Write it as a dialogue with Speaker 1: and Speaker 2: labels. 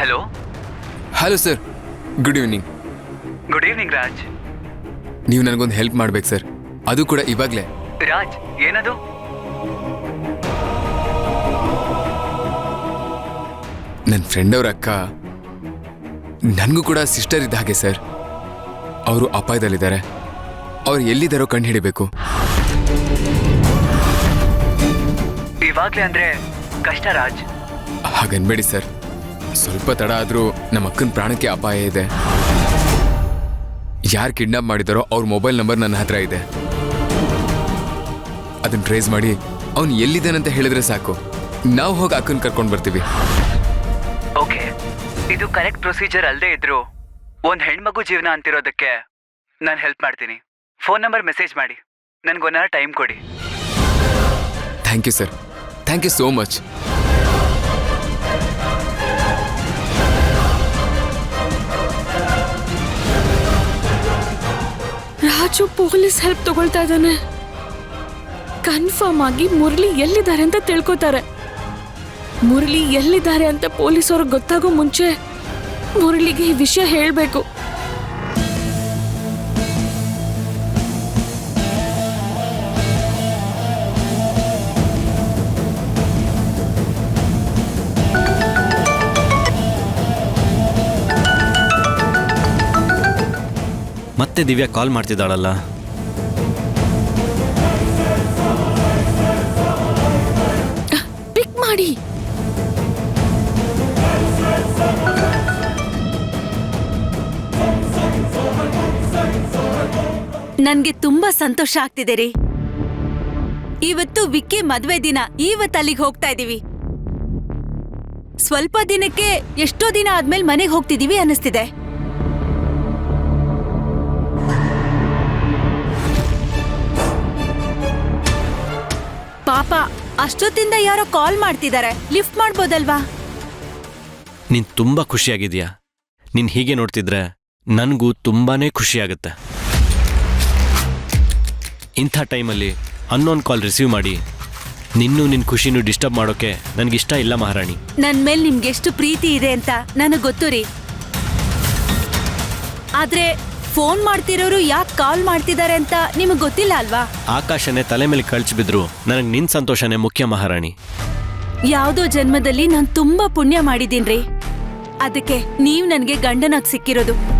Speaker 1: Hello.
Speaker 2: Hello sir, good evening.
Speaker 1: Good evening Raj.
Speaker 2: ನೀವು ನನಗೊಂದು help ಮಾಡ್ಬೇಕು ಸರ್, ಅದು ಕೂಡ ಇವಾಗಲೇ.
Speaker 1: ರಾಜ್, ಏನದು?
Speaker 2: ನನ್ನ ಫ್ರೆಂಡ್ ಅವ್ರ ಅಕ್ಕ, ನನಗೂ ಕೂಡ ಸಿಸ್ಟರ್ ಇದ್ದ ಹಾಗೆ ಸರ್. ಅವರು ಅಪಾಯದಲ್ಲಿದ್ದಾರೆ. ಅವ್ರು ಎಲ್ಲಿದ್ದಾರೋ ಕಂಡು ಹಿಡಿಬೇಕು.
Speaker 1: ಇವಾಗ್ಲೇ ಅಂದ್ರೆ ಕಷ್ಟ ರಾಜ್.
Speaker 2: ಹಾಗನ್ಬೇಡಿ ಸರ್, ಸ್ವಲ್ಪ ತಡ ಆದರೂ ನಮ್ಮ ಅಕ್ಕನ ಪ್ರಾಣಕ್ಕೆ ಅಪಾಯ ಇದೆ. ಯಾರು ಕಿಡ್ನಾಪ್ ಮಾಡಿದಾರೋ ಅವ್ರ ಮೊಬೈಲ್ ನಂಬರ್ ನನ್ನ ಹತ್ರ ಇದೆ. ಅದನ್ನ ಟ್ರೇಸ್ ಮಾಡಿ ಅವ್ನು ಎಲ್ಲಿದ್ದಾನಂತ ಹೇಳಿದ್ರೆ ಸಾಕು, ನಾವು ಹೋಗಿ ಅಕ್ಕನ ಕರ್ಕೊಂಡು ಬರ್ತೀವಿ.
Speaker 1: ಓಕೆ, ಇದು ಕರೆಕ್ಟ್ ಪ್ರೊಸೀಜರ್ ಅಲ್ಲದೆ ಇದ್ರು ಒಂದ್ ಹೆಣ್ಮಗು ಜೀವನ ಅಂತಿರೋದಕ್ಕೆ ನಾನು ಹೆಲ್ಪ್ ಮಾಡ್ತೀನಿ. ಫೋನ್ ನಂಬರ್ ಮೆಸೇಜ್ ಮಾಡಿ, ನನ್ಗೊಂದು ಟೈಮ್ ಕೊಡಿ.
Speaker 2: Thank you sir, thank you so much.
Speaker 3: Raju police help ತಗೊಳ್ತಾ ಇದ್ದಾನೆ. ಕನ್ಫರ್ಮ್ ಆಗಿ ಮುರಳಿ ಎಲ್ಲಿದ್ದಾರೆ ಅಂತ ತಿಳ್ಕೊತಾರೆ. ಮುರಳಿ ಎಲ್ಲಿದ್ದಾರೆ ಅಂತ ಪೊಲೀಸವ್ರಿಗೆ ಗೊತ್ತಾಗೋ ಮುಂಚೆ ಮುರಳಿಗೆ ಈ ವಿಷಯ ಹೇಳಬೇಕು.
Speaker 4: ಮತ್ತೆ ದಿವ್ಯಾ ಕಾಲ್ ಮಾಡ್ತಿದ್ದಾಳಲ್ಲ.
Speaker 3: ಪಿಕ್ ಮಾಡಿ.
Speaker 5: ನನ್ಗೆ ತುಂಬಾ ಸಂತೋಷ ಆಗ್ತಿದೆ ರೀ. ಇವತ್ತು ವಿಕ್ಕಿ ಮದ್ವೆ ದಿನ. ಇವತ್ತು ಅಲ್ಲಿಗೆ ಹೋಗ್ತಾ ಇದೀವಿ. ಸ್ವಲ್ಪ ದಿನಕ್ಕೆ ಎಷ್ಟೋ ದಿನ ಆದ್ಮೇಲೆ ಮನೆಗೆ ಹೋಗ್ತಿದೀವಿ ಅನ್ನಿಸ್ತಿದೆ. ಪಾಪ, ಅಷ್ಟೊತ್ತಿಂದ ಯಾರೋ ಕಾಲ್ ಮಾಡ್ತಿದ್ದಾರೆ. ಲಿಫ್ಟ್ ಮಾಡ್ಬೋದಲ್ವಾ?
Speaker 4: ನೀನ್ ತುಂಬಾ ಖುಷಿಯಾಗಿದ್ಯಾ. ನೀನ್ ಹೀಗೆ ನೋಡ್ತಿದ್ರೆ ನನಗೂ ತುಂಬಾನೇ ಖುಷಿಯಾಗುತ್ತೆ. ಇಂಥ ಟೈಮಲ್ಲಿ ಅನ್ನೋನ್ ಕಾಲ್ ರಿಸೀವ್ ಮಾಡಿ ನಿನ್ನೂ ನಿನ್ನ ಖುಷಿನೂ ಡಿಸ್ಟರ್ಬ್ ಮಾಡೋಕೆ ನನಗಿಷ್ಟ ಇಲ್ಲ ಮಹಾರಾಣಿ.
Speaker 5: ನನ್ ಮೇಲೆ ನಿಮ್ಗೆ ಎಷ್ಟು ಪ್ರೀತಿ ಇದೆ ಅಂತ ನನಗೆ ಗೊತ್ತು ರೀ. ಆದ್ರೆ ಫೋನ್ ಮಾಡ್ತಿರೋರು ಯಾಕೆ ಕಾಲ್ ಮಾಡ್ತಿದ್ದಾರೆ ಅಂತ ನಿಮಗೆ ಗೊತ್ತಿಲ್ಲ ಅಲ್ವಾ?
Speaker 4: ಆಕಾಶನೇ ತಲೆ ಮೇಲೆ ಕಳ್ಚಿ ಬಿದ್ರು ನನಗೆ ನಿನ್ ಸಂತೋಷನೇ ಮುಖ್ಯ ಮಹಾರಾಣಿ.
Speaker 5: ಯಾವುದೋ ಜನ್ಮದಲ್ಲಿ ನಾನು ತುಂಬಾ ಪುಣ್ಯ ಮಾಡಿದೀನ್ರಿ. ಅದಕ್ಕೆ ನೀವ್ ನನ್ಗೆ ಗಂಡನಾಗಿ ಸಿಕ್ಕಿರೋದು.